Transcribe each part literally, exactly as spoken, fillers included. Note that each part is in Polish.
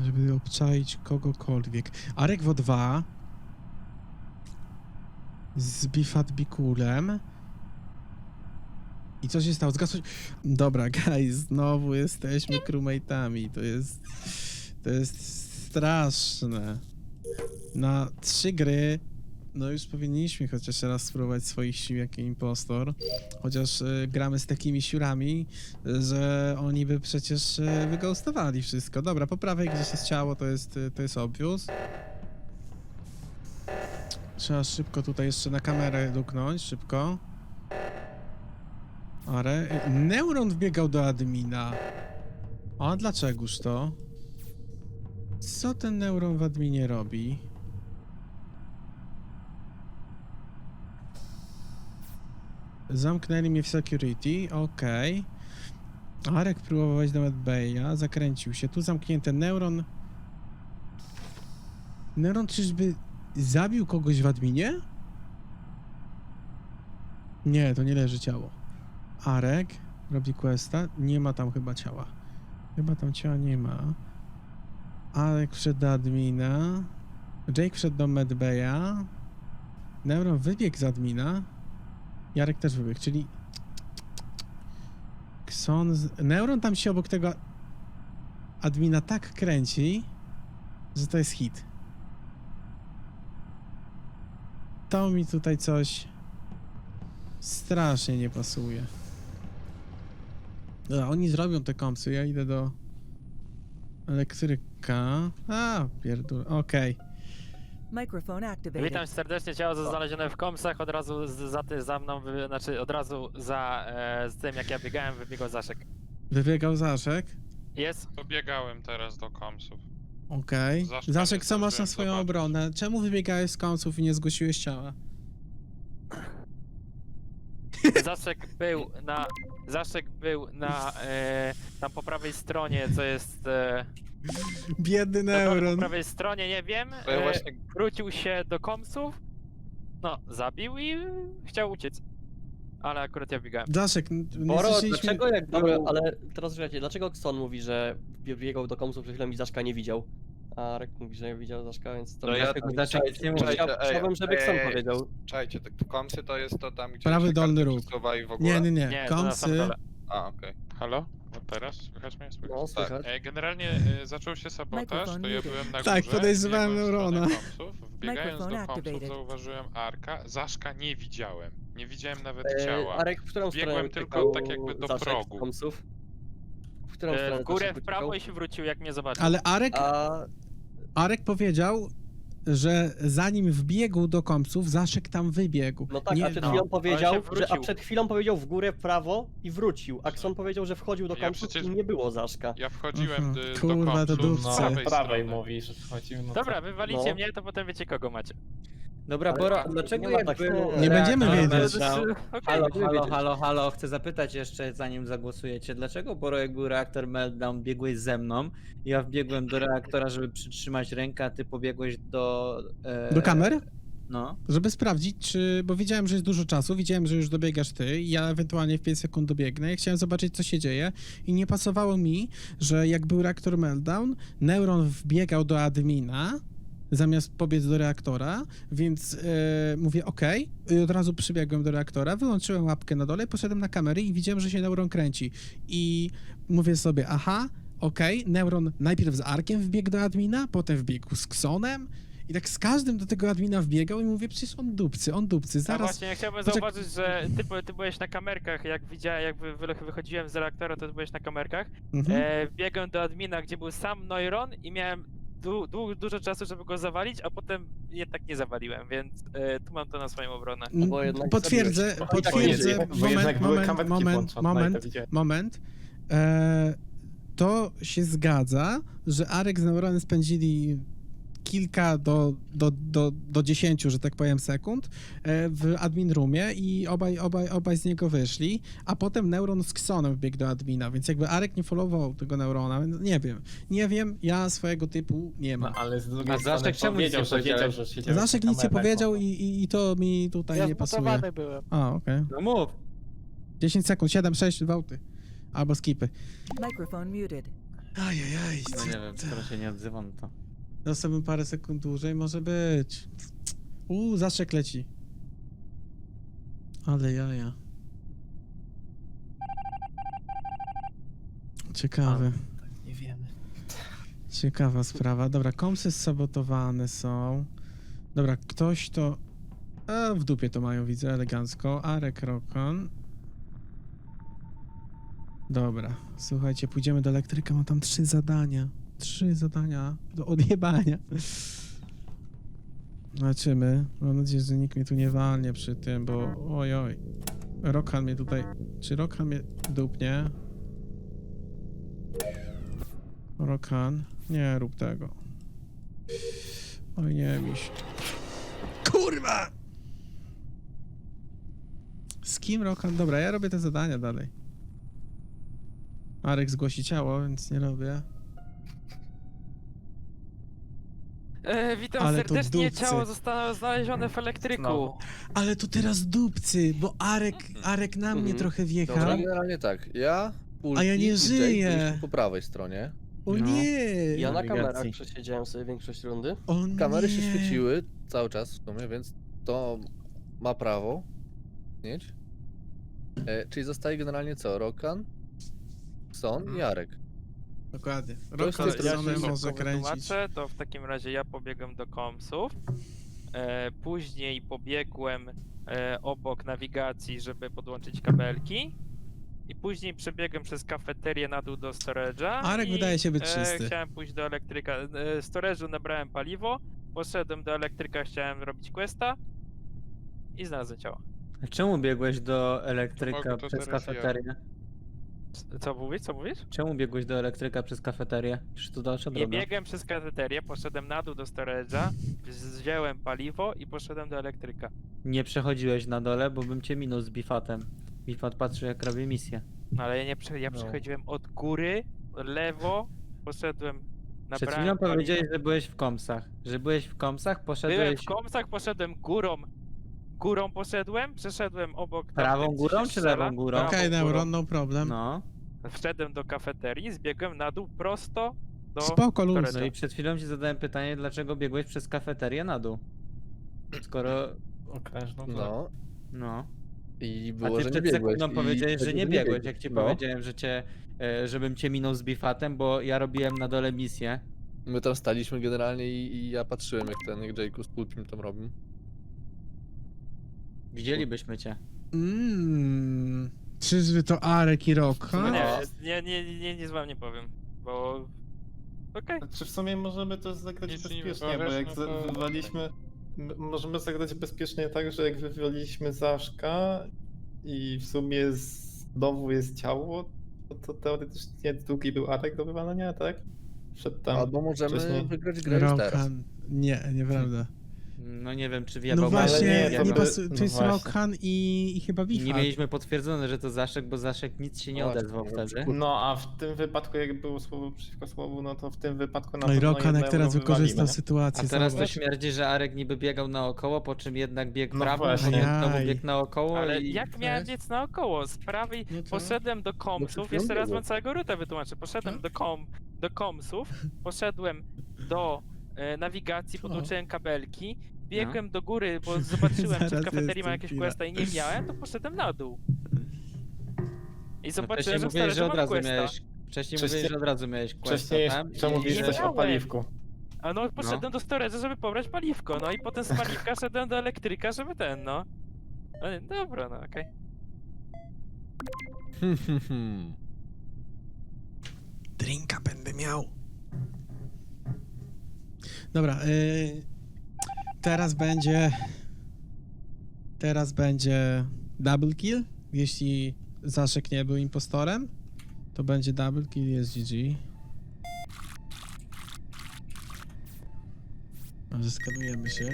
żeby obczaić kogokolwiek. Arek W O dwa z Bifatbikulem. I co się stało? Zgasło się... Dobra, guys, znowu jesteśmy crewmate'ami. To jest... To jest straszne. Na trzy gry no już powinniśmy chociaż raz spróbować swoich sił jako impostor. Chociaż y, gramy z takimi siurami, że oni by przecież y, wyghostowali wszystko. Dobra, po prawej gdzieś jest ciało, to jest, y, to jest obvious. Trzeba szybko tutaj jeszcze na kamerę duknąć, szybko. Ale Neuron wbiegał do admina. A dlaczegoż to? Co ten Neuron w adminie robi? Zamknęli mnie w security, okej. Okay. Arek próbował wejść do medbaya, zakręcił się. Tu zamknięty Neuron. Neuron czyżby zabił kogoś w adminie? Nie, to nie leży ciało. Arek robi questa, nie ma tam chyba ciała. Chyba tam ciała nie ma. Arek wszedł do admina. Jake wszedł do medbaya. Neuron wybiegł z admina. Jarek też wybiegł, czyli... Kson z... Neuron tam się obok tego admina tak kręci, że to jest hit. To mi tutaj coś strasznie nie pasuje. Dobra, oni zrobią te kompsy, ja idę do elektryka. A, pierdol, okej. Okay. Microphone activated. Witam serdecznie, ciało znalezione w komsach, od razu z, za, ty, za mną, wy, znaczy od razu za e, z tym jak ja biegałem, wybiegał Zaszek. Wybiegał Zaszek? Jest? Pobiegałem teraz do komsów. Okej. Okay. Zaszka Zaszek, nie co masz na zdążyłem swoją zobaczyć. obronę? Czemu wybiegałeś z komsów i nie zgłosiłeś ciała? Zaszek był na, Zaszek był na, e, tam po prawej stronie, co jest... E, Biedny na Neuron. po prawej stronie, nie wiem, To ja e, właśnie... wrócił się do komsów, no, zabił i chciał uciec. Ale akurat ja biegałem. Zaszek, n- nie Boro, słyszeliśmy... dlaczego jak Dobra, był... ale teraz słuchajcie, dlaczego Xon mówi, że biegał do komsów przed chwilą i Zaszka nie widział? A Rek mówi, że nie widział Zaszka, więc to... No ja- dlaczego Znaczy, Zaszek nie mówi? czekajcie, Chciał- ej, Chciałbym, żeby ej, Xon ej, powiedział. Czekajcie, te komsy to jest to tam, gdzie Prawy się dolny karty róg. przesuwa i w ogóle? Nie, nie, nie. Nie, to na sam Komsy... dole. A, okej. Halo? No teraz? Słychać mnie? Słychać? No, słychać. E, generalnie e, zaczął się sabotaż, Microphone to ja muted. byłem na górze. Tak, podejrzewałem biegłem w stronę Neurona. komsów. Wbiegając do Microphone komsów activated. zauważyłem Arka, Zaszka nie widziałem. Nie widziałem nawet E, ciała. Arek, w którą Biegłem stronę tylko uciekał tak jakby do Zaszek z progu. komsów? W którą E, stronę w górę, Zaszek w prawo uciekał? i się wrócił, jak mnie zobaczył. Ale Arek, A... Arek powiedział, że zanim wbiegł do kompsów, Zaszek tam wybiegł. No tak, Nie- a przed no. chwilą On powiedział, się że, a wrócił. przed chwilą powiedział w górę, w prawo i wrócił. A Xon powiedział, że wchodził do Ja komsów przecież- i nie było Zaszka. Ja wchodziłem Mhm. d- Kurwa, do to komsów dupce. z No, prawej, prawej strony. mówisz, wchodzimy no Dobra, wywalicie No. mnie, to potem wiecie kogo macie. Dobra, Ale Boro, tak, dlaczego nie ma jak tak- był... Nie będziemy reaktor wiedzieć. meltdown- Okej. Halo, będziemy halo, wiedzieć. halo, halo, chcę zapytać jeszcze, zanim zagłosujecie, dlaczego Boro, jak był reaktor meltdown, biegłeś ze mną, ja wbiegłem do reaktora, żeby przytrzymać rękę, a ty pobiegłeś do... E... Do kamer? No. Żeby sprawdzić, czy... Bo widziałem, że jest dużo czasu, widziałem, że już dobiegasz ty i ja ewentualnie w pięć sekund dobiegnę i chciałem zobaczyć, co się dzieje i nie pasowało mi, że jak był reaktor meltdown, Neuron wbiegał do admina zamiast pobiec do reaktora, więc e, mówię ok, i od razu przybiegłem do reaktora, wyłączyłem łapkę na dole, poszedłem na kamery i widziałem, że się Neuron kręci i mówię sobie, aha, okej, okay. Neuron najpierw z Arkiem wbiegł do admina, potem wbiegł z Xonem i tak z każdym do tego admina wbiegał i mówię, przecież on dupcy, on dupcy, A zaraz... właśnie, ja chciałbym Poczek- zauważyć, że ty, by- ty byłeś na kamerkach, jak widziałem, jak wy, wy, wychodziłem z reaktora, to ty byłeś na kamerkach. Mhm. E, biegłem do admina, gdzie był sam Neuron i miałem du, du, dużo czasu, żeby go zawalić, a potem jednak nie zawaliłem, więc e, tu mam to na swoją obronę. Mm, bo jednak Potwierdzę, zabiłeś. potwierdzę, Bo jednak moment, były moment, kamerki moment, włączone, no i to moment, widziałem. moment. E, to się zgadza, że Arek z Neuronem spędzili kilka do, do, do, do dziesięciu, że tak powiem, sekund e, w admin roomie i obaj, obaj, obaj z niego wyszli, a potem Neuron z Xonem wbiegł do admina, więc jakby Arek nie followował tego Neurona, więc nie wiem, nie wiem, ja swojego typu nie No mam. ale z drugiej A strony Zaszek czemu nic powiedział, nie że wiedział, powiedziałeś? że siedział Zaszek na nic nie kamerach, powiedział no. i, i, i to mi tutaj nie pasuje. byłem. A, okej. No mów. dziesięć sekund, siedem, sześć, gwałty. Albo skipy. Microphone muted. Ajajaj. No nie wiem, skoro się nie odzywam, to... Dostałbym parę sekund dłużej, może być. Uuu, zaszczek leci. Ale jaja. Ciekawe. Nie wiemy. Ciekawa sprawa. Dobra, komsy sabotowane są. Dobra, ktoś to... A, w dupie to mają, widzę, elegancko. Arek Rokon. Dobra, słuchajcie, pójdziemy do elektryka, mam tam trzy zadania. Trzy zadania do odjebania. Zobaczymy. Mam nadzieję, że nikt mnie tu nie walnie przy tym, bo oj oj. Rokhan mnie tutaj... Czy Rokhan mnie dupnie? Rokhan? Nie rób tego. Oj nie, miś. Kurwa! Z kim Rokhan? Dobra, ja robię te zadania dalej. Arek zgłosi ciało, więc nie robię. E, witam Ale to serdecznie, dupcy. ciało zostało znalezione w elektryku. Znowu. Ale to teraz dupcy, bo Arek, Arek na mnie Mhm. trochę Dobra, wjechał. generalnie tak. Ja, Ulti A ja nie i Jake żyję. byliśmy po prawej stronie. O No. nie! Ja na nawigacji. kamerach przesiedziałem sobie większość rundy. O Kamery nie. się świeciły cały czas w sumie, więc to ma prawo mieć. E, czyli zostaje generalnie co? Rokan, Son i Jarek. Dokładnie. jest Rokhan tylko z ja Zonem się Sonem szybko może kręcić. wytłumaczę, to w takim razie ja pobiegłem do komsów, e, później pobiegłem e, obok nawigacji, żeby podłączyć kabelki i później przebiegłem przez kafeterię na dół do storage'a. Arek i, wydaje się być e, czysty. Chciałem pójść do elektryka, e, storage'u nabrałem paliwo, poszedłem do elektryka, chciałem robić questa i znalazłem ciało. Czemu biegłeś do elektryka Mogę to przez teraz ja. kafeterię? Co mówisz, co mówisz? Czemu biegłeś do elektryka przez kafeterię? Przecież to dalsza Nie droga. biegłem przez kafeterię, poszedłem na dół do storage'a, wziąłem paliwo i poszedłem do elektryka. Nie przechodziłeś na dole, bo bym cię minął z Bifatem. Bifat patrzy jak robię misję. No ale ja nie prze... ja No. przechodziłem od góry, lewo, poszedłem na Przed chwilą powiedziałeś, że byłeś w komsach. Że byłeś w komsach, poszedłeś Byłem w komsach, poszedłem górą. Górą poszedłem, przeszedłem obok. tam, prawą gdzie górą się czy strzela. lewą górą? Prawą Okej, górą. Neuron, no problem. No. Wszedłem do kafeterii, zbiegłem na dół prosto do... Spoko, luz. storage'a. No i przed chwilą ci zadałem pytanie, dlaczego biegłeś przez kafeterię na dół? Skoro... Okrężną no. No. No. I A było, ty że nie przed biegłeś. sekundą i powiedziałeś, że wtedy nie biegłeś, jak ci No. powiedziałem, że cię, e, żebym cię minął z Bifatem, bo ja robiłem na dole misję. My tam staliśmy generalnie i, i ja patrzyłem jak ten, jak Jake'u z Pulpim tam robił. Widzielibyśmy cię. Mmm. Czyżby to Arek i No Rokhan? nie, nie, nie, nie, nic wam nie powiem, bo... Okej. Czy w sumie możemy to zagrać Nic nie bezpiecznie, bo wywalasz, jak no za- to- wywaliśmy... m- Możemy zagrać bezpiecznie tak, że jak wywaliliśmy Zaszka i w sumie znowu jest ciało, to, to teoretycznie drugi był atak do wywalenia, tak? Przed tam... Albo możemy wcześniej. wygrać grę już teraz. Rokhan. Nie, nieprawda. No nie wiem, czy No wjebał właśnie, nie, nie, to by- pasu- no to jest właśnie. Rokhan i, i chyba Bifat. Nie mieliśmy potwierdzone, że to Zaszek, bo Zaszek nic się nie Właśnie, odezwał no, wtedy. No a w tym wypadku jak było słowo przeciwko słowu, no to w tym wypadku na No i pewno Rokhan jak jednego teraz wykorzystał wywalimy. sytuację. A teraz to zobacz. śmierdzi, że Arek niby biegał naokoło, po czym jednak biegł No prawo, właśnie. potem znowu Ajaj. biegł naokoło Ale i... jak miałem biec naokoło? Z prawej No to- poszedłem do przed komsów, chwilą jeszcze raz było. wam całego rutę wytłumaczę. Poszedłem Tak? do, kom, do komsów, poszedłem do e, nawigacji, podłączyłem kabelki, biegłem do góry, bo zobaczyłem, czy No. Zaraz w kafeterii jestem ma jakieś chwila. questa i nie miałem, to poszedłem na dół. I No zobaczyłem, wcześniej że w mówiłeś, że storage'u od mam razu questa. miałeś... Wcześniej Wcześniej- mówiłeś, że od razu miałeś questa Wcześniej tam jeszcze i- mówisz nie coś o miałem. paliwku. A no, poszedłem do storage'a, żeby pobrać paliwko, no i potem z paliwka szedłem do elektryka, żeby ten, no. No, dobra, no okej. Hmm, hmm, hmm. Drinka będę miał. Dobra, y, teraz będzie. Teraz będzie double kill. Jeśli Zaszek nie był impostorem, to będzie double kill, jest G G. Może skanujemy się.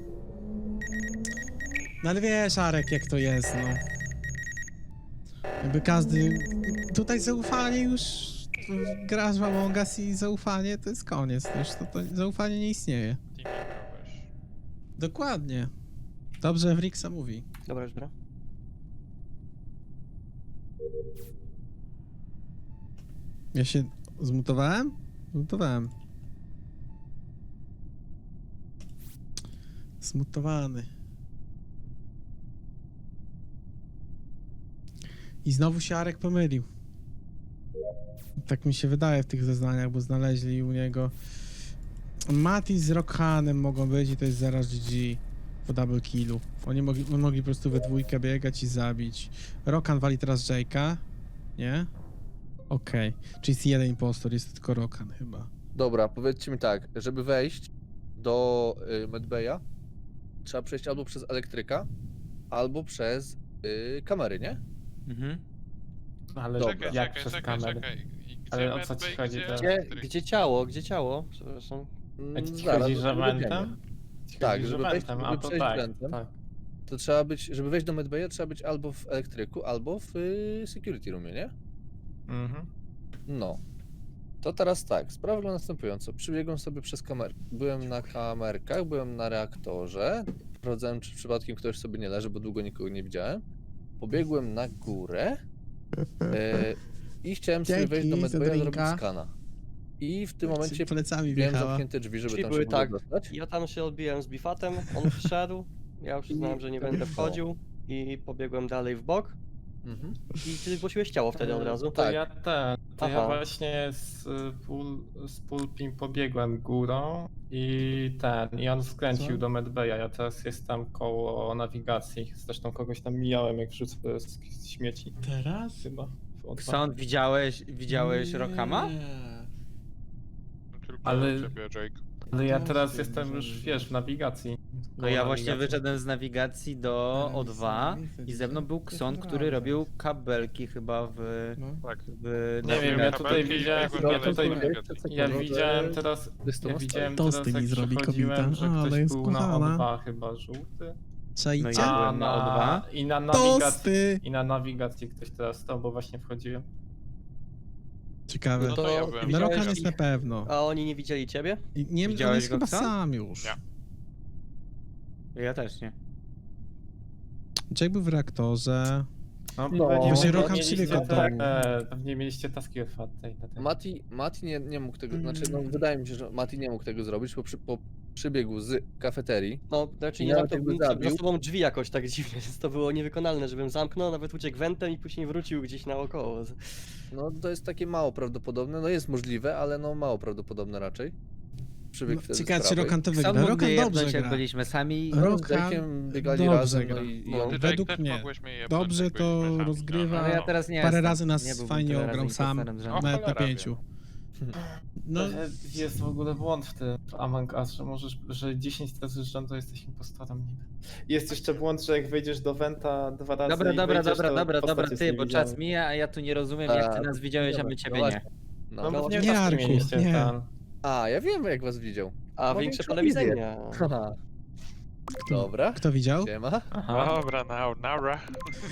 No ale wiesz, Arek, jak to jest, no. Jakby każdy... Tutaj zaufanie już... Grasz w Among Us i zaufanie to jest koniec. Już to, to zaufanie nie istnieje. Teamingowałeś. Dokładnie. Dobrze Wrixa mówi. Dobra, już bra. Ja się Zmutowałem? Zmutowałem. Zmutowany. I znowu się Arek pomylił. Tak mi się wydaje w tych zeznaniach, bo znaleźli u niego... Mati z Rockhanem mogą być i to jest zaraz G G po double killu. Oni mogli, oni mogli po prostu we dwójkę biegać i zabić. Rockhan wali teraz Jake'a. Nie? Okej. Czyli jest jeden impostor, jest tylko Rockhan chyba. Dobra, powiedzcie mi tak, żeby wejść do y, Medbaya, trzeba przejść albo przez elektryka, albo przez y, kamery, nie? Mhm. Ale Dobra. Czekaj, jak czekaj, przez czekaj, kamerę? czekaj. I gdzie Ale o co ci medbay, chodzi gdzie teraz? Gdzie, elektryk? gdzie ciało? Gdzie ciało? Przepraszam. Mm, A ci zaraz, chodzi, to że dowiemy. wentem? Ci Tak, chodzi, że żeby wejść- wentem, a żeby to przejść tak, wentem. tak. To trzeba być, żeby wejść do Medbaya, trzeba być albo w elektryku, albo w y, security roomie, nie? Mhm. No. To teraz tak, sprawa wygląda następująco. Przybiegłem sobie przez kamerę. Byłem na kamerkach, byłem na reaktorze. Sprawdzałem, czy przypadkiem ktoś sobie nie leży, bo długo nikogo nie widziałem. Pobiegłem na górę e, i chciałem sobie Dzięki wejść do za Medbaya zrobić drinka. skana. I w tym momencie Plecami miałem wjechała. zamknięte drzwi, żeby Czyli tam były się w ogóle tak. dostać. Ja tam się odbiłem z Bifatem, on wszedł. Ja już uznałem, że nie będę wchodził i pobiegłem dalej w bok. Mhm. I ty zgłosiłeś ciało wtedy od razu. To Tak. ja ten, to ja Aha. właśnie z, y, pul, z Pulpim pobiegłem górą i ten, i on skręcił Co? do Medbaya, ja teraz jestem koło nawigacji, zresztą kogoś tam mijałem, jak wrzucę z, z śmieci, Teraz? chyba. w O dwa. Ksąd, widziałeś, widziałeś Rokama? Tylko Ale- ciebie, Jake. Ale ja to teraz się jestem może już, być. wiesz, w nawigacji. No koło ja właśnie nawigacji. wyszedłem z nawigacji do Ale O dwa nic nie i ze mną widzę. był To Ksąd, jest który prawda. robił kabelki chyba w... No. Tak. w Nie wiem, ja tutaj Kabelki i widziałem, biegłem ja dalej tutaj, do nawigacji. ja widziałem teraz, Jest to ja na widziałem Tosty teraz, mi jak zrobi przechodziłem, kobieta, że ale ktoś jest był na kochana. O dwa chyba żółty. Czajcie? No ja A byłem na O dwa. I na nawigacji, Tosty! i na nawigacji ktoś teraz stał, bo właśnie wchodziłem. Ciekawe. No to ja byłem. No Widziałeś Rokan jest ich? na pewno. A oni nie widzieli ciebie? I nie wiem, on Widziałeś jest go, chyba Kson? sam już. Nie. Ja też nie. Jake był w reaktorze. No, No, pewnie właśnie mieliście Rokan te- przebiegł od domu. e, Pewnie mieliście taski otwarte i na tym. Mati, Mati nie, nie mógł tego, znaczy no Mm. wydaje mi się, że Mati nie mógł tego zrobić, bo, przy, bo przybiegł z kafeterii. No, znaczy nie Ja zamknął jakby zabił. za sobą drzwi jakoś tak dziwnie, więc to było niewykonalne, żebym zamknął, nawet uciekł wentem i później wrócił gdzieś naokoło. No to jest takie mało prawdopodobne, no jest możliwe, ale no mało prawdopodobne raczej. Przybiegł No, wtedy z ciekawe, czy prawej. Rokan to Ksąd wygra. mógł Rokan mnie dobrze jebnąć, jak gra. byliśmy sami. No, z Rokan Jake'iem biegali dobrze razem, gra. no i, i No, on... Ty, według Jake, też mnie. mogłeś mnie jebnąć, Dobrze jak to byliśmy sami, rozgrywa. no, Ale ja no. teraz nie Parę jestem. razy nas Nie byłbym fajnie tyle ograł razy sam. impostorem z O, rzędu. Nawet na cholera pięciu. No, No, jest w ogóle błąd w tym w Among Us, że możesz, że dziesięć razy z rzędu jesteś impostorem niby. Jest jeszcze błąd, że jak wejdziesz do Venta dwa razy Dobra, i dobra, wejdziesz, dobra, to dobra, postać dobra, jest ty, bo niewidzialna. czas mija, a ja tu nie rozumiem, jak ty A, nas widziałeś, a my dobra, ciebie no nie. właśnie. No. No, No, bo nie, nie taski Jarku, mieliście nie. ten. A, ja wiem jak was widział. A Ma większe większą pole wizję. widzenia. Haha. Dobra, kto widział? siema. Aha. Dobra, now, nara.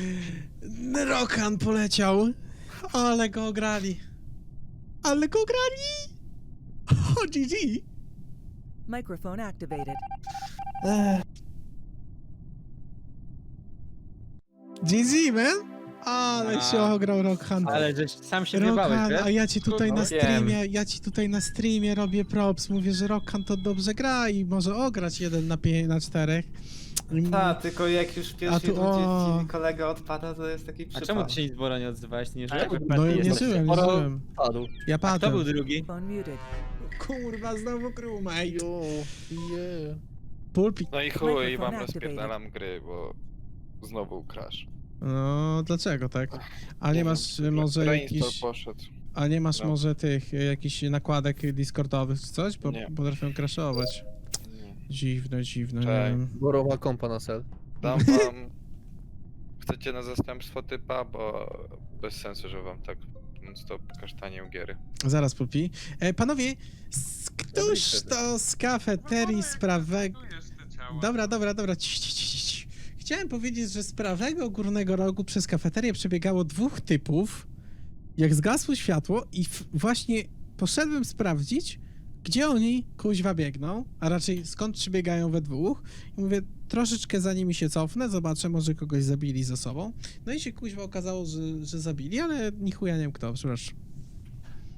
Rokan poleciał. Ale go ograli. Ale go ograli. O, G G. Microphone activated. G G, man. Ale A. się ograł Rokan. Ale żeś sam się wybałeś, Rokan, wiesz? a ja ci tutaj No na wiem. streamie, ja ci tutaj na streamie robię props. Mówię, że Rokan to dobrze gra i może ograć jeden na pięć, na czterech. I- Tak, tylko jak już w pierwszej tu- rundzie o. ci kolega odpada, to jest taki A przypadek. czemu ty się nic Boro nie odzywałeś? Ty nie żyjesz? No ja nie żyłem, nie Sporo- żyłem. Padł. Ja A kto padłem. był drugi? Phone muted. Kurwa, znowu crewmate. Jo, yeah. Pulpi. No i chuj, Microphone wam activated. rozpierdalam gry, bo znowu crash. No, dlaczego tak? A nie wiem, masz y, może Reinstall jakiś... poszedł. A nie masz No. może tych, y, jakichś nakładek discordowych czy coś? Bo Nie. potrafią crashować. Dziwne, dziwne, nie Cześć. wiem. Boro ma kompa na sel. Dam wam... Chcecie na zastępstwo typa, bo bez sensu, że wam tak non-stop kasztanię giery. Zaraz, Pulpi. E, panowie, s- któż to z kafeterii z prawego... Dobra, dobra, dobra. Ci, ci, ci, ci. Chciałem powiedzieć, że z prawego górnego rogu przez kafeterię przebiegało dwóch typów, jak zgasło światło i w, właśnie poszedłem sprawdzić, gdzie oni kuźwa biegną, a raczej skąd przybiegają we dwóch. I mówię, troszeczkę za nimi się cofnę, zobaczę, może kogoś zabili ze sobą. No i się kuźwa okazało, że, że zabili, ale ni chuja nie wiem kto, przepraszam.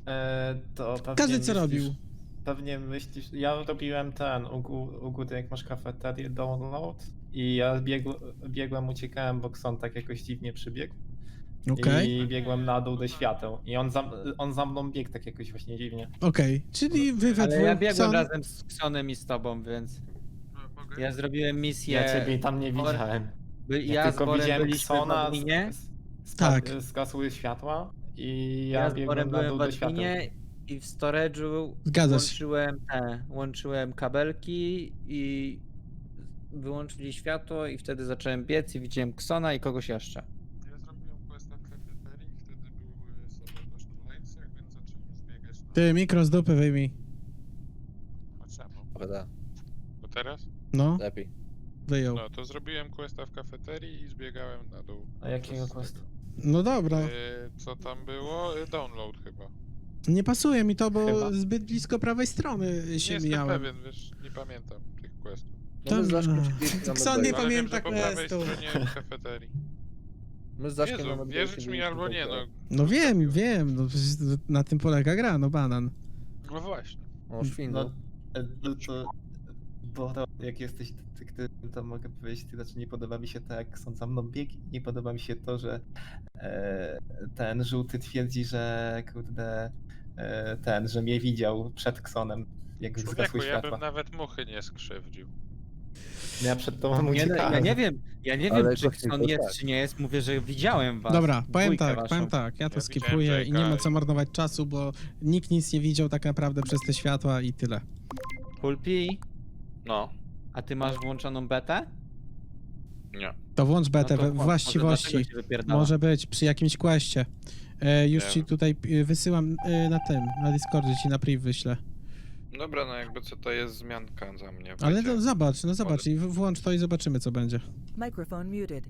E, to pewnie Każdy co myślisz, robił. Pewnie myślisz, ja robiłem ten, u, gó- u góry jak masz kafeterię download i ja biegł, biegłem, uciekałem, bo Kson tak jakoś dziwnie przybiegł. Okej, I biegłem na dół do świateł. I on za, on za mną biegł tak jakoś właśnie dziwnie. okej. Czyli wy we Ale ja dwóch biegłem są... razem z Ksonem i z tobą, więc ja zrobiłem misję. Ja ciebie tam nie Bor- widziałem. By, Ja, ja z tylko Borem widziałem byliśmy w Ksona, adminie. z, z, Tak. zgasły światła i ja, Ja z biegłem Borem na byłem dół w do światła. adminie i w storage'u Zgadza się. łączyłem te, łączyłem kabelki i wyłączyli światło i wtedy zacząłem biec i widziałem Ksona i kogoś jeszcze. Ja zrobiłem questa w kafeterii, wtedy były sabotaż na lejcach, więc zacząłem zbiegać na... Ty, mikro z dupy wyjmij. A czemu? Prawda? Bo teraz? No, Lepiej. wyjął. No, to zrobiłem questa w kafeterii i zbiegałem na dół. A jakiego Przez questa? tego. No dobra. Y, co tam było? Y, Download chyba. Nie pasuje mi to, bo Chyba. zbyt blisko prawej strony Nie się jestem mijałem. pewien, wiesz, nie pamiętam tych questów. No my z Zaszkiem Dobra. siedzieliśmy na Kson nie medbayu. Ale wiem, pamięta że po prawej questu. stronie kafeterii. My z Zaszkiem na Jezu, medbayu wierzyć mi siedzieliśmy albo tak nie, no. dalej. No wiem, wiem. No, przecież na tym polega gra, no banan. No właśnie. O, szwindel. No, e, no to, bo to, jak jesteś ty, ty, to mogę powiedzieć, to znaczy nie podoba mi się to, jak są za mną bieg, nie podoba mi się to, że e, ten żółty twierdzi, że kurde, e, ten, że mnie widział przed Ksonem, jak Człowieku, zgasły ja światła. bym nawet muchy nie skrzywdził. Ja przed tobą Nie, no, uciekałem. ja nie wiem, ja nie Ale wiem czy właśnie Kson to jest tak. czy nie jest, mówię, że widziałem was. Dobra, powiem dwójkę tak, waszą. powiem tak. Ja to Ja skipuję widziałem i nie ma Jake'a co i- marnować czasu, bo nikt nic nie widział tak naprawdę przez te światła i tyle. Pulpi, No, a ty masz włączoną betę? nie. To włącz betę No to we włącz, właściwości. może dlatego się wypierdala. Może być przy jakimś questie. E, już Nie ci wiem. tutaj e, wysyłam e, na tym, na Discordzie ci na priv wyślę. Dobra, no jakby co to jest zmianka za mnie. Ale wiecie. no zobacz, no zobacz i w- włącz to i zobaczymy co będzie. Microphone muted.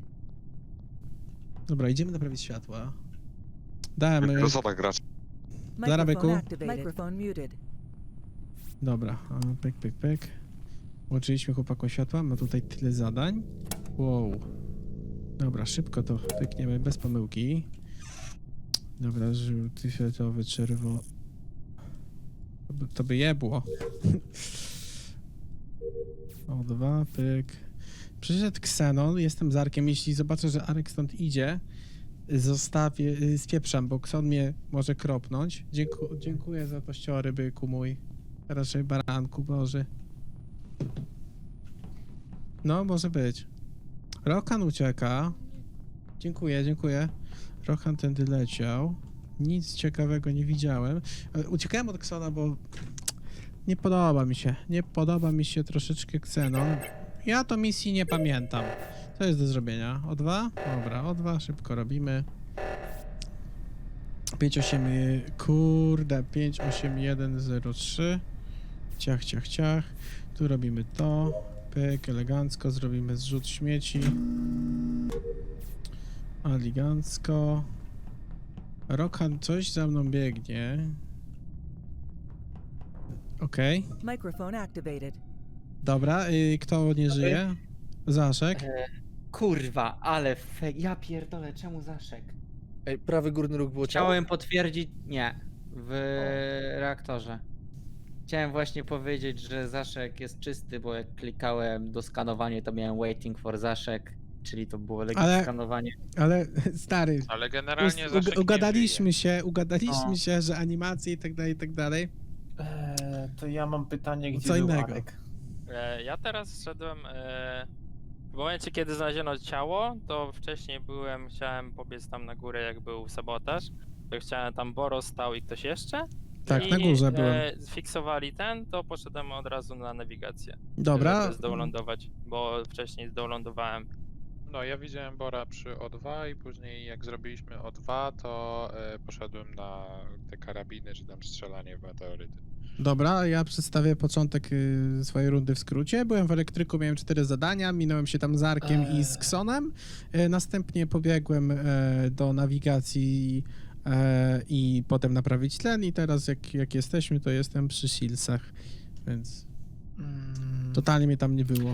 Dobra, idziemy naprawić światła. Dałem... e, Zasada gracz. Zarabyku. Microphone activated. Microphone muted. Dobra, a, pyk, pyk, pyk. Włączyliśmy chłopakom światła, ma tutaj tyle zadań. Wow. Dobra, szybko to pykniemy, bez pomyłki. Dobra, żółty, fioletowy, czerwony. To by, to by jebło. O, dwa, pyk. Przyszedł Xenon, jestem z Arkiem, jeśli zobaczę, że Arek stąd idzie, zostawię, y, spieprzam, bo Xon mnie może kropnąć. Dzięku, dziękuję za pościory, byku mój. Raczej baranku, Boże. No, może być. Rokan ucieka. Dziękuję, dziękuję. Rokan tędy leciał. Nic ciekawego nie widziałem. E, Uciekałem od Ksona, bo nie podoba mi się. Nie podoba mi się troszeczkę Xenon. Ja to misji nie pamiętam. Co jest do zrobienia? O dwa? Dobra, o dwa szybko robimy. pięć osiem, kurde, pięć osiem jeden zero trzy. Ciach, ciach, ciach. Tu robimy to. Pyk, elegancko. Zrobimy zrzut śmieci. Elegancko. Rokan coś za mną biegnie. Okej. Microphone activated. Dobra, y, kto nie żyje? Zaszek. E, kurwa, ale fe... ja pierdolę, czemu Zaszek? Ej, prawy górny róg było ciało? Chciałem potwierdzić, nie, w reaktorze. Chciałem właśnie powiedzieć, że Zaszek jest czysty, bo jak klikałem do skanowania, to miałem waiting for Zaszek, czyli to było legit Ale- skanowanie. Ale stary, Ale ust, generalnie ug, Zaszek nie ugadaliśmy się, ugadaliśmy No. się, że animacje i tak dalej, i tak dalej. Eee, to ja mam pytanie, gdzie Co był innego. Arek? E, ja teraz szedłem. E, w momencie, kiedy znaleziono ciało, to wcześniej byłem, chciałem pobiec tam na górę, jak był sabotaż. To chciałem tam Boro stał i ktoś jeszcze. Tak, I, na górze byłem. E, zfiksowali ten, to poszedłem od razu na nawigację. Dobra. Żeby zdowlądować, bo wcześniej zdowlądowałem. No, ja widziałem Bora przy O dwa i później jak zrobiliśmy O dwa, to e, poszedłem na te karabiny, czy tam strzelanie w meteoryty. Dobra, ja przedstawię początek y, swojej rundy w skrócie. Byłem w elektryku, miałem cztery zadania, minąłem się tam z Arkiem i z Ksonem. Y, następnie pobiegłem y, do nawigacji y, i potem naprawić tlen i teraz jak, jak jesteśmy, to jestem przy Silsach, więc Mm, totalnie mnie tam nie było.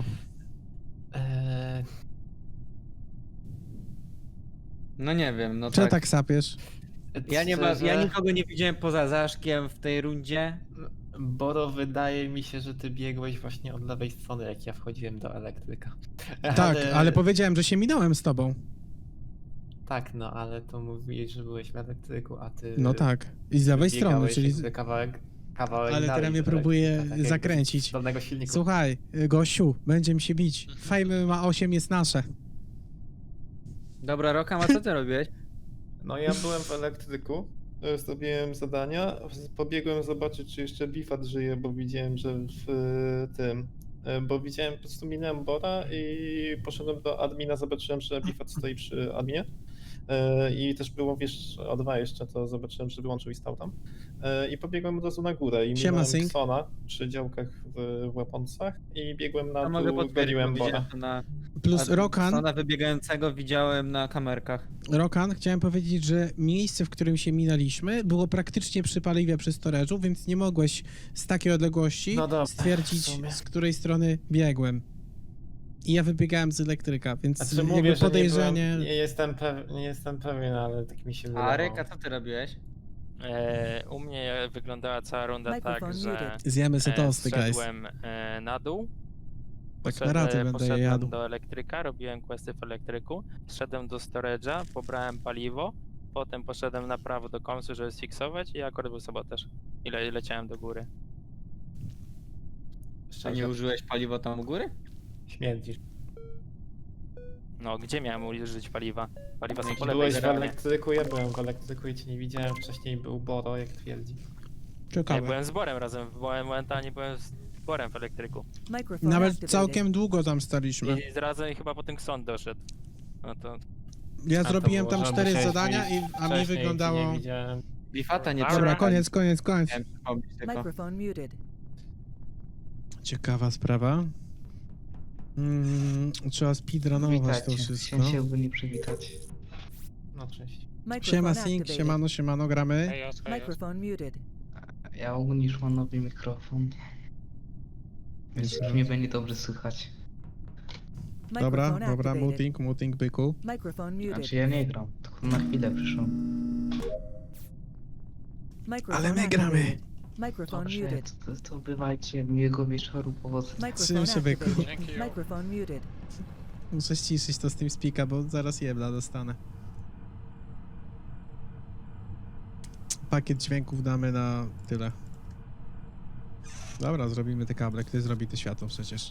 eee, No nie wiem, no Czy tak. tak sapiesz? Ja nie ma, ja Szczerze, nikogo nie widziałem poza Zaszkiem w tej rundzie. Boro, wydaje mi się, że ty biegłeś właśnie od lewej strony, jak ja wchodziłem do elektryka. Tak, ale powiedziałem, że się minąłem z tobą. Tak, no ale to mówiłeś, że byłeś w elektryku, a ty... No tak. I z lewej strony, biegałeś czyli... jakby kawałek, kawałek Ale dalej teraz mnie z próbuje elektryka, tak jakby zakręcić. Z dolnego silniku. Słuchaj, gościu, będziemy się bić. Fame ma osiem jest nasze. Dobra, Rokam, a co ty robiłeś? No ja byłem w elektryku, e, zrobiłem zadania, pobiegłem zobaczyć, czy jeszcze Bifat żyje, bo widziałem, że w e, tym, e, bo widziałem, po prostu minąłem Bora i poszedłem do admina, zobaczyłem, że Bifat stoi przy adminie. E, I też było, wiesz, O dwa jeszcze, to zobaczyłem, że wyłączył i stał tam. E, I pobiegłem od razu na górę i Siema, minąłem Sync. Xona przy działkach w, w weaponsach i biegłem na Ja mogę dół, potwierdzić, goniłem bo Bora. widziałem to na... Plus a Rokan, Sona wybiegającego widziałem na kamerkach. Rokan, chciałem powiedzieć, że miejsce, w którym się minęliśmy, było praktycznie przy paliwie przy storage'u, więc nie mogłeś z takiej odległości No dobra, w stwierdzić, sumie. z której strony biegłem. I ja wybiegałem z elektryka, więc Znaczy jakby mówię, że nie, podejrzenie... byłem, nie, jestem pew, nie jestem pewien, ale tak mi się A wydawało. Aryk, a co ty robiłeś? E, u mnie wyglądała cała runda tak, Microphone że muted. Zjemy se e, tosty, guys. zszedłem e, na dół. Tak na raty Poszedłem- będę je poszedłem jadł. do elektryka, robiłem questy w elektryku, zszedłem do storage'a, pobrałem paliwo, potem poszedłem na prawo do komsu, żeby sfiksować i akurat był sabotaż. I le leciałem do góry. A Szczerze, nie użyłeś paliwa tam u góry? śmierdzisz. No, gdzie miałem użyć paliwa? Paliwa są po lewej Byłeś w stronie. elektryku, ja byłem w elektryku i cię nie widziałem. Wcześniej był Boro, jak twierdzi. Ja Ciekawe. byłem z Borem razem, byłem momentalnie byłem z Borem w elektryku. Microphone Nawet activated. całkiem długo tam staliśmy. I razem chyba potem Kson doszedł. No to... Ja A to zrobiłem było, tam że cztery musiałeś zadania, wyjść i, a mi wcześniej, cię wyglądało... Nie widziałem. Bifata nie Dobra, Dobra, trzeba. koniec, koniec, koniec. Chciałem przypomnieć tylko. Microphone muted. Ciekawa sprawa. Mm, trzeba speedrunować to wszystko. Chciałem się ogólnie przywitać. No cześć. Siema Microphone Sync, activated. siemano, siemano, gramy. Chaos, chaos. Microphone muted. Ja ogólnie już mam nowy mikrofon. Więc już mnie będzie dobrze słychać. Dobra, Microphone dobra, activated. muting, muting, byku. Microphone muted. Znaczy ja nie gram, tylko na chwilę przyszłem. Microphone Ale my gramy. activated. Microphone Dobrze, muted. to, to bywajcie, miłego wieczoru, powodzenia. Microphone się, byku. activated. Dzięki. Microphone muted. Muszę ściszyć to z tym speaka, bo zaraz jebla dostanę. Pakiet dźwięków damy na tyle. Dobra, zrobimy te kable. Kto zrobi te światło przecież?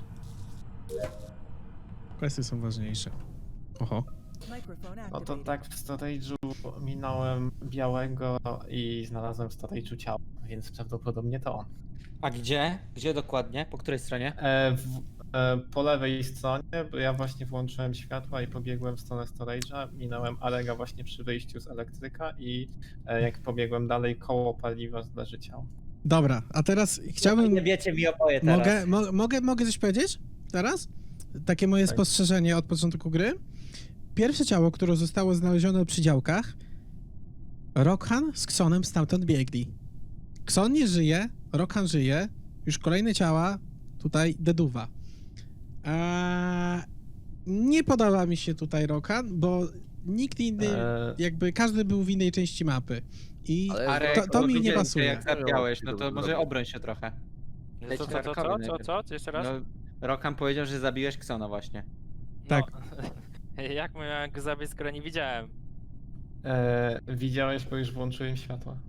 Kwestie są ważniejsze. Oho. Microphone No to activated. tak, w storage'u minąłem białego i znalazłem w storage'u ciało, więc prawdopodobnie to on. A gdzie? Gdzie dokładnie? Po której stronie? E, w, e, po lewej stronie, bo ja właśnie włączyłem światła i pobiegłem w stronę storage'a, minąłem Arega właśnie przy wyjściu z elektryka i e, jak pobiegłem dalej koło paliwa leży ciało. Dobra, a teraz chciałbym... Nie wiecie mi oboje teraz. Mogę, mo mogę, mogę coś powiedzieć teraz? Takie moje Tak. spostrzeżenie od początku gry. Pierwsze ciało, które zostało znalezione przy działkach, Rockhan z Xonem stamtąd biegli. Xon nie żyje, Rockhan żyje, już kolejne ciała, tutaj deduwa. Eee, nie podoba mi się tutaj Rockhan, bo nikt inny, E, jakby każdy był w innej części mapy. I Ale Arek, to, to mi nie widziałem cię, pasuje. Jak zabiałeś, no to może obroń się trochę. Co, Leci co, co, co, Arkowi co, najpierw. co, co? Jeszcze raz? No, Rockam powiedział, że zabiłeś Ksona właśnie. tak. No. Jak miałem go zabić, skoro nie widziałem? e, widziałeś, bo już włączyłem światła.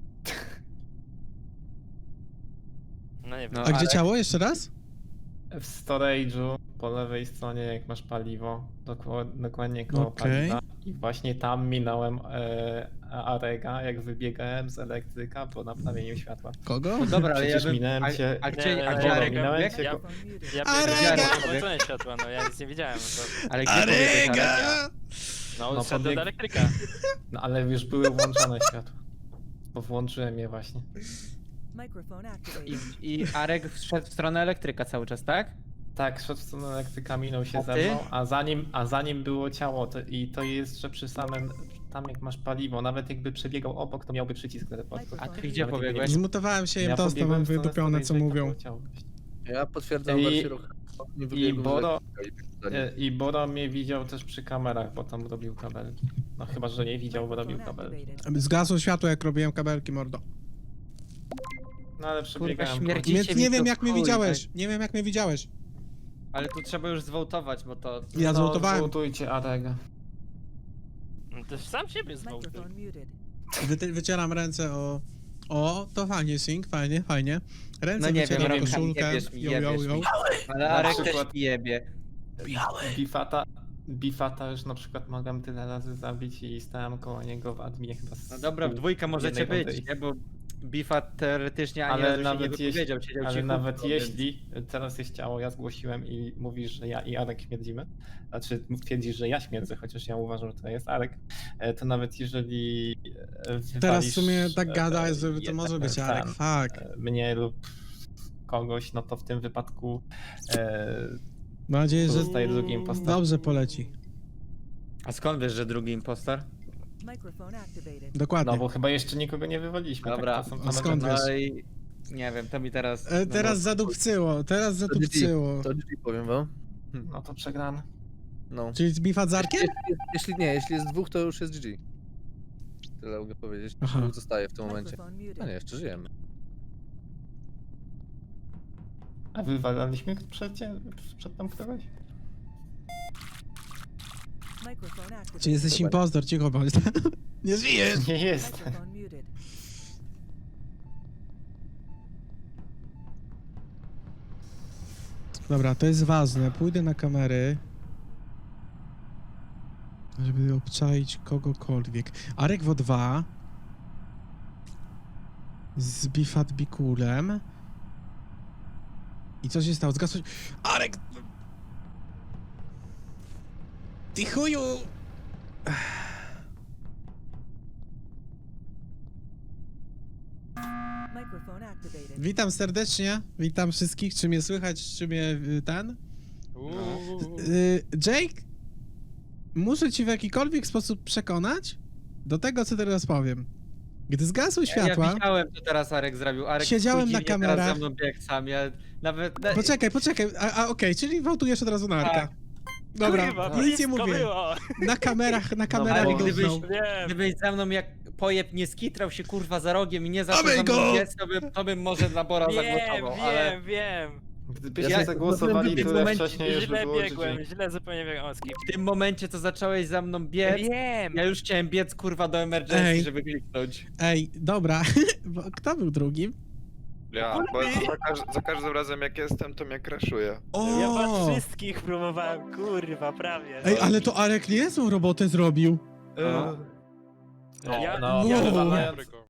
No nie wiem. No, A gdzie Arek? ciało? Jeszcze raz? W storage'u po lewej stronie, jak masz paliwo, dokła- dokładnie koło Okej. paliwa. I właśnie tam minąłem e, Arega, jak wybiegałem z elektryka po naprawieniu światła. Kogo? No dobra, ale ja Przecież bym... minąłem a, cię- a Nie, gdzie, nie, a nie, gdzie nie, Arek minąłem biegł? cię- Ja, Microphone muted. ja Arega! biegłem, włączyłem światło, no ja nic nie widziałem. No, Ale gdzie pobiegłeś, Arek? Arega! no, No, szedłem pobieg- do elektryka. No ale już były włączone światła. Bo włączyłem je właśnie. Microphone I, activated. I Arek szedł w stronę elektryka cały czas, tak? Tak, szedł w stronę elektryka, minął się A ze ty? mną, a zanim, a zanim było ciało, to, i to jest, że przy samym, tam jak masz paliwo, nawet jakby przebiegał obok, to miałby przycisk teleportu. A ty Nawet gdzie jakby pobiegłeś? nie- Zmutowałem się, jem Ja tosta, pobiegłem mam w stronę wydupione, co storage'a i tam mówią. było ciało. Ja potwierdzam I- wersję ruchu. Nie I wybiegłem, Boro, że- e, I Boro mnie widział też przy kamerach, bo tam robił kabelki. No chyba, że nie widział, bo robił Microphone kabelki. activated. Zgasło światło, jak robiłem kabelki, mordo. No ale Kurwa, przebiegałem. śmierdzi. Więc Dzisiaj nie mi wiem, to jak mnie chuj, widziałeś. Nie wiem, jak mnie widziałeś. Ale tu trzeba już zwołtować, bo to... Ja no, zwołtowałem. Zwołtujcie Arega. No to sam siebie zwołtuj. Microphone muted. Wy, wycieram ręce o... O, to fajnie, Sing, fajnie, fajnie. Ręce No nie wiem, wycieram Remka, koszulkę. jebiesz mi, Yo, yo, jebiesz yo. mi. Ale Na Arek przykład- też mi jebie. Bifata, Bifata już na przykład mogłem tyle razy zabić i stałem koło niego w adminie chyba z No dobra, w pół- dwójkę możecie jednej być, rundy. nie? Bo Bifa teoretycznie ani Ale razu się nie nawet wypowiedział, jeśli, siedział ale cicho, nawet więc- jeśli teraz jest ciało, ja zgłosiłem i mówisz, że ja i Arek śmierdzimy, znaczy twierdzisz, że ja śmierdzę, chociaż ja uważam, że to jest Arek, e, to nawet jeżeli e, Teraz w wywalisz, sumie tak e, gada, e, że to jeden może być ten, Arek. Fuck. e, mnie lub kogoś, no to w tym wypadku e, Mam nadzieję, że zostaje drugim postacią. dobrze poleci. A skąd wiesz, że drugi impostor? Microphone activated. Dokładnie. No bo chyba jeszcze nikogo nie wywaliliśmy. Dobra, tak, to są a same skąd rzeczy. wiesz? No i... Nie wiem, to mi teraz... E, no teraz bo- zadupcyło, teraz To G G, zadupcyło. to G G powiem wam. No to przegrany. No. Czyli Bifat z Arkiem? Jeśli, jeśli nie, jeśli jest dwóch, to już jest G G. Tyle mogę powiedzieć. Aha. Dwóch zostaje w tym momencie. Microphone No muted. nie, jeszcze żyjemy. A wywalaliśmy przed, przed tam kogoś? Microphone activated. Czy jesteś impostor? Cicho bądź. Nie żyjesz! Nie jest. Microphone muted. Dobra, to jest ważne. Pójdę na kamery. Żeby obczaić kogokolwiek. Arek W O dwa. Z Bifat Bikulem. I co się stało? Zgasło się... Arek! Ty chuju! Microphone activated. Witam serdecznie. Witam wszystkich. Czy mnie słychać? Czy mnie y, ten? Y, Jake? Muszę ci w jakikolwiek sposób przekonać do tego, co teraz powiem. Gdy zgasły Ja światła... widziałem, co teraz Arek zrobił. Arek Siedziałem chuj na dziwnie kamerach. Teraz za mną biegł sam, ja nawet... Poczekaj, poczekaj, a, a okej, czyli wołtujesz od razu na Arka. Tak. Dobra, Kurwa, nic nie blisko mówię. było. Na kamerach, na kamerach ale go gdybyś- znał. Wiem. Gdybyś za mną jak pojeb nie skitrał się kurwa za rogiem i nie zaczął Dawaj za mną go! biec, to bym, to bym może dla Bora Wiem, zagłosował, wiem, ale... wiem. Gdybyście Ja- zagłosowali w tym tyle momencie wcześniej, już by Źle było biegłem, G G. źle zupełnie biegłem. O, skip. W tym momencie, co zacząłeś za mną biec, Wiem. ja już chciałem biec kurwa do emergency, Ej. żeby kliknąć. Ej, dobra, bo kto był drugim? Ja, bo za, każ za każdym razem jak jestem, to mnie crashuje. O! Ja was wszystkich próbowałem, kurwa, prawie. Ej, ale to Arek niezłą robotę zrobił. No. No, Ja- no, ja- wywalając,